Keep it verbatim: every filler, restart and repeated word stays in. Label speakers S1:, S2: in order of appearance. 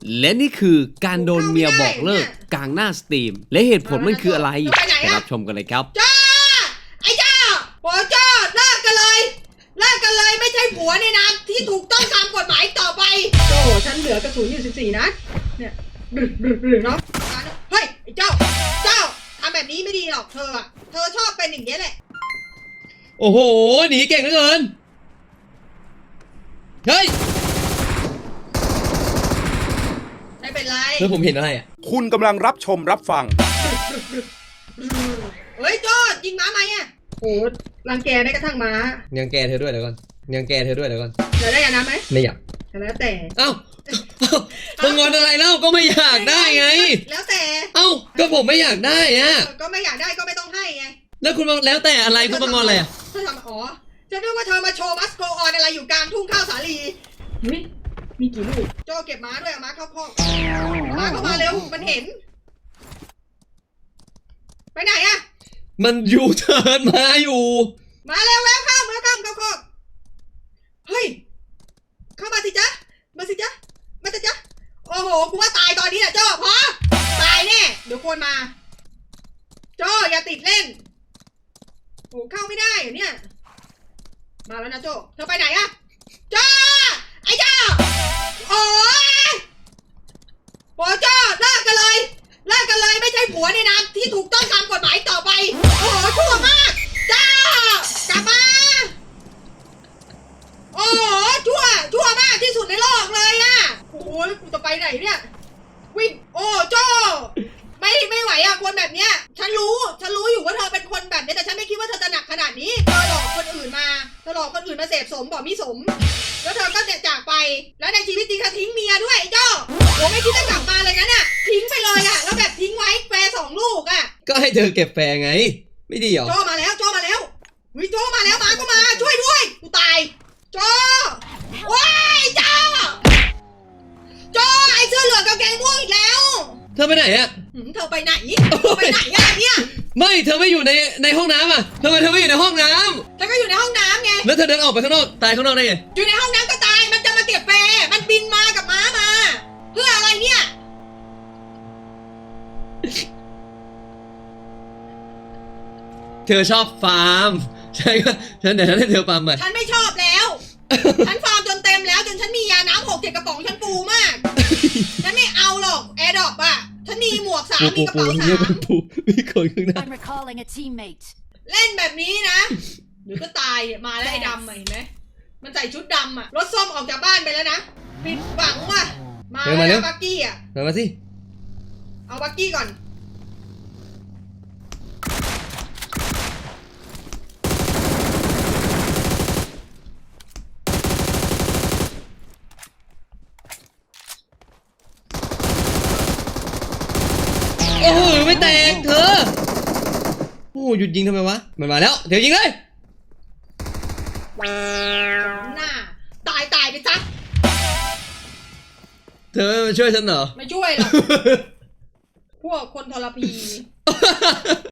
S1: และนี่คือการโดนเมียบอกเลิกกลางหน้าสตรีมและเหตุผลมันคืออะไรไปรับชมกันเลยครับ
S2: จ้าไอ้จ้าโอ้จ้าเลิกกันเลยเลิกกันเลยไม่ใช่ผัวในนามที่ถูกต้องตามกฎหมายต่อไปโจ้ฉันเหลือกระสุนอยู่สิบสี่นัดเนี่ยดึกดึกดึกเนาะเฮ้ยไอ้เจ้าเจ้าทำแบบนี้ไม่ดีหรอกเธออะเธอชอบเป็นอย่างนี้แหละ
S1: โอ้โหหนีเก่งเหลือเกินเฮ้ย
S2: ไม่เป็นไร
S1: แล้วผมเห็นอะไรอ่ะ
S3: คุณกำลังรับชมรับฟัง
S2: เฮ้ยโจ้ยิงม้าไหมอ่ะโอ้รังแกได้กระทั่งม้า
S1: ยังแกเธอด้วยเดี๋ยวก่อนยังแกเธอด้วยเดี๋ยวก่อน
S2: อยากได้ยาน้ำไหม
S1: ไม่อยาก
S2: แล้วแต่
S1: เอ้ามึงงอนอะไรเล่าก็ไม่อยากได้ไง
S2: แล้วแต่
S1: เอ้าก็ผมไม่อยากได้อ่ะ
S2: ก็ไม่อยากได้ก็ไม่ต้องให้ไง
S1: แล้วคุณมาแล้วแต่อะไรคุณมางอนอะไรอ่ะ
S2: เธอทำอ๋อจะนึกว่าเธอมาโชว์มัสโกออนอะไรอยู่กลางทุ่งข้าวสาลีเฮ้ยมีกี่ลูกโจเก็บม้าด้วยเอาม้าเข้าคอกม้าเข้ามาเร็วมันเห็นไปไหนอะ
S1: มันอยู่เทิร์นมาอยู่
S2: มาเร็วแล้วเข้ามาเข้าเข้าคอกเฮ้ยเข้ามาสิจ๊ะมาสิจ๊ะมาสิจ๊ะโอ้โหกูว่าตายตอนนี้แหละโจ้พอตายแน่เดี๋ยวคนมาโจ้อย่าติดเล่นโอ้เข้าไม่ได้เหรอเนี่ยมาแล้วนะโจ้เธอไปไหนอะโจ้ไอ้โจ้โอ้ยโอ้โจ้เลิกกันเลยเลิกกันเลยไม่ใช่ผัวในนามที่ถูกต้องตามกฎหมายต่อไปโอ้โหชั่วมากโจ้กลับมาโอ้โหชั่วชั่วมากที่สุดในโลกเลยอะโอ้ยกูจะไปไหนเนี่ยวิ่งโอ้โจ้ไม่ไม่ไหวอะคนแบบเนี้ยฉันรู้ฉันรู้อยู่ว่าเธอเป็นคนแบบนี้แต่ฉันไม่คิดว่าเธอจะหนักขนาดนี้เธอหลอกคนอื่นมาเธอหลอกคนอื่นมาเสพสมบอกมิสมแล้วเธอก็จากไปแล้วในชีวิตจริงเธอทิ้งเมียด้วยไอ้เจ้าโอ้ไม่คิดจะกลับมาเลยนะน่ะทิ้งไปเลยอะแล้วแบบทิ้งไว้แฟร์สองลูกอะ
S1: ก็ให้เธอเก็บแฟร์ไงไม่ดีหรอ
S2: โจมาแล้วโจมาแล้ววิโจมาแล้วมาก็มาช่วยด้วยกูตายโจว้ายเจ้าโจไอ้เสื้อเหลืองกับแกงม่วงอีกแล้ว
S1: เธอไปไหนอะ
S2: เธอไปไหนเธอไปไหนอะเนี่ย
S1: ไม่เธอไม่อยู่ในในห้องน้ำอะทำไมเธอไม่อยู่ในห้องน้
S2: ำเธอก็อยู่ในห้องน้ำไง
S1: แล้วเธอเดินออกไปข้างนอกตายข้างนอกได้ไง
S2: อยู่ในห้องน้ำก็ตายมันจะมาเก็บแฟร์มันบินมากับม้ามาเพื่ออะไรเนี่ย
S1: เธอชอบฟาร์มใช่ก็ฉันเดี๋ยวฉันให้เธอฟาร์มมา
S2: ฉันไม่ชอบแล้วฉันฟาร์มจนเต็มแล้วจนฉันมียาน้ำหกเจ็ดกระป๋องฉันปูมากฉันไม่เอาหรอกแอร์ดรอปอะฉันมีหมวกสามมีกระเป๋าสาม
S1: มีคนข้างหน้า
S2: เล่นแบบนี้นะเดี๋ยวก็ตายมาแล้วไอ้ดำเห็นไหมมันใส่ชุดดำอะรถส้มออกจากบ้านไปแล้วนะผิดหวังว่ะมาแล้วบักกี้อะ
S1: มาสิ
S2: เอาบักกี้ก่อน
S1: โอ้โหไม่แตกเธอโอ้หยุดยิงทำไมวะมันมาแล้วเดี๋ยวยิงเลย
S2: หน้าตายตายไปซะ
S1: เธอมาช่วยฉันเหรอ
S2: ไม่ช่วยหรอกพวกคนทรพี